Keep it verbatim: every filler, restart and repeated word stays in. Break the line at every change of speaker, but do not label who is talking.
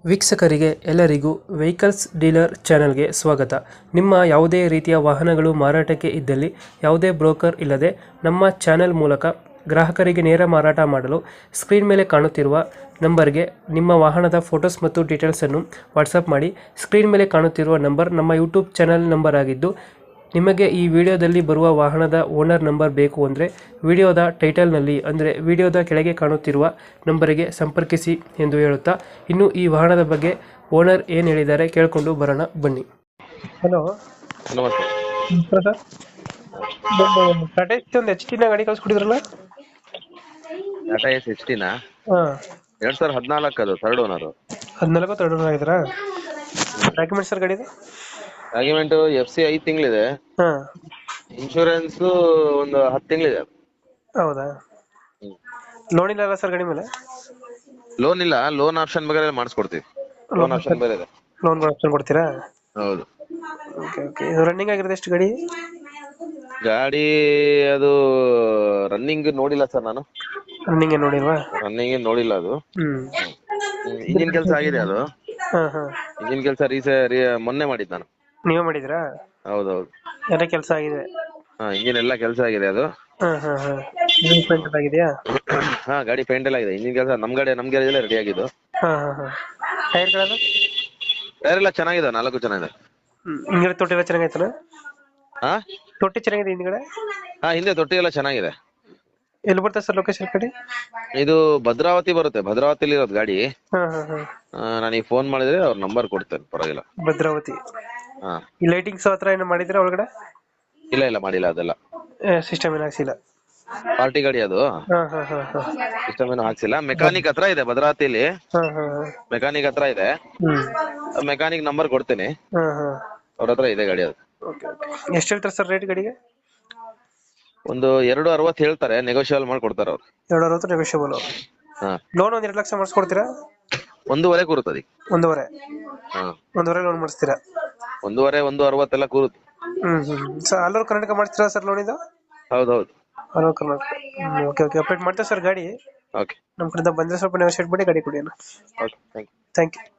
ವೀಕ್ಷಕರಿಗೆ ಎಲ್ಲರಿಗೂ vehicles dealer ಚಾನೆಲ್ಗೆ ಸ್ವಾಗತ. ನಿಮ್ಮ ಯಾವುದೇ ರೀತಿಯ ವಾಹನಗಳು ಮಾರಾಟಕ್ಕೆ ಇದ್ದಲ್ಲಿ ಯಾವುದೇ ಬ್ರೋಕರ್ ಇಲ್ಲದೆ ನಮ್ಮ ಚಾನೆಲ್ ಮೂಲಕ ಗ್ರಾಹಕರಿಗೆ ನೇರ ಮಾರಾಟ ಮಾಡಲು ಸ್ಕ್ರೀನ್ ಮೇಲೆ ಕಾಣುತ್ತಿರುವ ನಂಬರ್ಗೆ ನಿಮ್ಮ ವಾಹನದ ಫೋಟೋಸ್ ಮತ್ತು ಡೀಟೇಲ್ಸನ್ನು ವಾಟ್ಸಪ್ ಮಾಡಿ. ಸ್ಕ್ರೀನ್ ಮೇಲೆ ಕಾಣುತ್ತಿರುವ ನಂಬರ್ ನಮ್ಮ ಯೂಟ್ಯೂಬ್ ಚಾನೆಲ್ ನಂಬರ್ ಆಗಿದ್ದು, ನಿಮಗೆ ಈ ವಿಡಿಯೋದಲ್ಲಿ ಬರುವ ವಾಹನದ ಓನರ್ ನಂಬರ್ ಬೇಕು ಅಂದರೆ ವಿಡಿಯೋದ ಟೈಟಲ್ನಲ್ಲಿ ಅಂದರೆ ವಿಡಿಯೋದ ಕೆಳಗೆ ಕಾಣುತ್ತಿರುವ ನಂಬರಿಗೆ ಸಂಪರ್ಕಿಸಿ ಎಂದು ಹೇಳುತ್ತಾ, ಇನ್ನು ಈ ವಾಹನದ ಬಗ್ಗೆ ಓನರ್ ಏನು ಹೇಳಿದ್ದಾರೆ ಕೇಳಿಕೊಂಡು ಬರೋಣ ಬನ್ನಿ. ಹಲೋ
ನಮಸ್ತೆ.
ಸರ್, ಟಾಟಾ ಎಸ್ ಒಂದು ಎಚ್ ಟಿನ ಗಾಡಿ ಕಳಿಸ್ಕೊಟ್ಟಿದ್ರಲ್ಲ?
ಟಾಟಾ ಎಸ್ ಎಚ್ ಟಿನ
ಹಾಂ,
ಎರಡ್ ಸಾವಿರದ ಹದಿನಾಲ್ಕು ಅದು ಥರ್ಡ್ ಓನರ್.
ಹದಿನಾಲ್ಕು ತರ್ಡ್ ಆಗಿದ್ರಾ? ಡಾಕ್ಯುಮೆಂಟ್ಸ್ ಸರ್ ಗಾಡಿದು?
ಡಾಕ್ಯುಮೆಂಟ್ ಎಫ್ ಸಿ ಐದು ತಿಂಗಳಿದೆ.
ಹಾಂ,
ಇನ್ಶೂರೆನ್ಸ್ ಒಂದು ಹತ್ತು ತಿಂಗಳಿದೆ.
ಹೌದಾ? ಲೋನ್ ಇಲ್ಲ ಅಲ್ಲ ಸರ್ ಗಾಡಿ ಮೇಲೆ?
ಲೋನ್ ಇಲ್ಲ, ಲೋನ್ ಆಪ್ಷನ್ ಬೇಕಾದ್ರೆ ಮಾಡಿಸ್ಕೊಡ್ತೀವಿ. ಲೋನ್ ಆಪ್ಷನ್ ಬೇರೆ ಇದೆ.
ಲೋನ್ ಆಪ್ಷನ್ ಕೊಡ್ತೀರಾ?
ಹೌದು.
Okay okay. ಇದು ರನ್ನಿಂಗ್ ಆಗಿರೋದು ಎಷ್ಟು ಗಾಡಿ?
ಗಾಡಿ ಅದು ರನ್ನಿಂಗ್ ನೋಡಿಲ್ಲ ಸರ್, ನಾನು
ರನ್ನಿಂಗ್ ಏನು ನೋಡಿಲ್ವಾ?
ರನ್ನಿಂಗ್ ನೋಡಿಲ್ಲ. ಅದು
ಹ್ಮ್
ಇಂಜಿನ್ ಕೆಲಸ ಆಗಿದೆ. ಅದು
ಹಾ ಹಾ
ಇಂಜಿನ್ ಕೆಲಸ ರೀಸೆ ಮೊನ್ನೆ ಮಾಡಿದ್ದು ನಾನು.
ನೀವೇ ಮಾಡಿದ್ರಾ?
ಹೌದೌದು,
ಎಲ್ಲ ಕೆಲಸ ಆಗಿದೆ?
ಹಾ ಇಂಜಿನ್ ಎಲ್ಲ ಕೆಲಸ ಆಗಿದೆ. ಅದು
ಹಾ ಹಾ ಹಾ ಪೇಂಟ್ ಆಗಿದೆಯಾ?
ಹಾ ಗಾಡಿ ಪೇಂಟ್ ಎಲ್ಲ ಆಗಿದೆ. ಇಂಜಿನ್ ಕೆಲಸ ನಮ್ ಗಾಡಿ ನಮ್ ಗ್ಯಾರೇಜ್ ರೆಡಿ ಆಗಿದ್ದು.
ಹಾ ಹಾ ಹಾ ಟೈರ್ಗಳೆಲ್ಲ?
ಟೈರ್ ಎಲ್ಲ ಚೆನ್ನಾಗಿದೆ, ನಾಲ್ಕು ಚೆನ್ನಾಗಿದೆ.
ಹ್ಮ್ ಹಿಂದ್ಗಡೆ ತೊಟ್ಟಿ ಎಲ್ಲ ಚೆನ್ನಾಗೈತಲ್ಲ?
ಹಾ
ತೊಟ್ಟಿ ಚೆನ್ನಾಗಿದೆ ಹಿಂದ್ಗಡೆ?
ಹಾ ಹಿಂದೆ ತೊಟ್ಟಿ ಎಲ್ಲ ಚೆನ್ನಾಗಿದೆ.
ಎಲ್ಲಿ ಬರ್ತದೆ ಸರ್ ಲೊಕೇಶನ್ ಕಡೆ?
ಇದು ಭದ್ರಾವತಿ ಬರುತ್ತೆ, ಭದ್ರಾವತಿಲಿ ಇರೋದು ಗಾಡಿ.
ಹಾ ಹಾ ಹಾ
ನನಗೆ ಫೋನ್ ಮಾಡಿದ್ರೆ ಅವ್ರ ನಂಬರ್ ಕೊಡ್ತೇನೆ, ಪರವಾಗಿಲ್ಲ.
ಭದ್ರಾವತಿ.
ಹಾ
ಈ ಲೈಟಿಂಗ್ಸ್ ಹತ್ರ ಏನೋ ಮಾಡಿದ್ರೆ ಒಳಗಡೆ?
ಇಲ್ಲ ಇಲ್ಲ ಮಾಡಿಲ್ಲ, ಅದೆಲ್ಲ
ಸಿಸ್ಟಮ್ ಏನು ಹಾಕ್ಸಿಲ್ಲ?
ಪಾರ್ಟಿ ಗಾಡಿ ಅದು,
ಹಾ ಹಾ ಹಾ ಹಾ
ಸಿಸ್ಟಮ್ ಏನು ಹಾಕ್ಸಿಲ್ಲ. ಮೆಕ್ಯಾನಿಕ್ ಹತ್ರ ಇದೆ ಭದ್ರಾವತಿಲಿ,
ಹಾ ಹಾ ಹಾ
ಮೆಕ್ಯಾನಿಕ್ ಹತ್ರ ಇದೆ.
ಹ್ಮ್
ಮೆಕ್ಯಾನಿಕ್ ನಂಬರ್ ಕೊಡ್ತೇನೆ,
ಹಾ ಹಾ
ಅವ್ರ ಹತ್ರ ಇದೆ ಗಾಡಿ. ಅದು
ಓಕೆ ಓಕೆ. ಎಷ್ಟು ಹೇಳ್ತಾರೆ ಸರ್ ರೇಟ್ ಗಾಡಿಗೆ?
ಒಂದು ಎರಡು ಅರವತ್ತು ಹೇಳ್ತಾರೆ, ನೆಗೋಷಿಯಬಲ್ ಮಾಡಿ ಕೊಡ್ತಾರೆ ಅವ್ರು.
ಎರಡು ಅರವತ್ತು ನೆಗೋಷಿಯಬಲ್.
ಹಾ
ಲೋನ್ ಒಂದ್ ಎರಡು ಲಕ್ಷ ಮಾಡಿಸ್ಕೊಡ್ತೀರಾ?
ಒಂದೂವರೆ ಕೂರುತ್ತದೆ.
ಒಂದೂವರೆ?
ಹಾ
ಒಂದೂವರೆ ಲೋನ್ ಮಾಡಿಸ್ತೀರಾ?
ಒಂದೂವರೆ ಒಂದು ಅರವತ್ತೆಲ್ಲ ಕೂರುತ್ತೆ.
ಹ್ಮ್ ಹ್ಮ್ ಸರ್, ಆಲ್ ಓವರ್ ಕರ್ನಾಟಕ ಮಾಡ್ತೀರಾ ಸರ್ ಲೋನ್ ಇದು?
ಹೌದೌದು.
All over Karnataka. Okay okay, update ಮಾಡ್ತೇವೆ ಸರ್ ಗಾಡಿ.
ಓಕೆ
ನಮ್ಮ ಕಡೆಯಿಂದ ಬಂದ್ರೆ ಸ್ವಲ್ಪ ನೆಗೋಷಿಯೇಟ್ ಮಾಡಿ ಗಾಡಿ ಕೊಡಿ ಅಣ್ಣ.
Okay, thank you.
Thank you.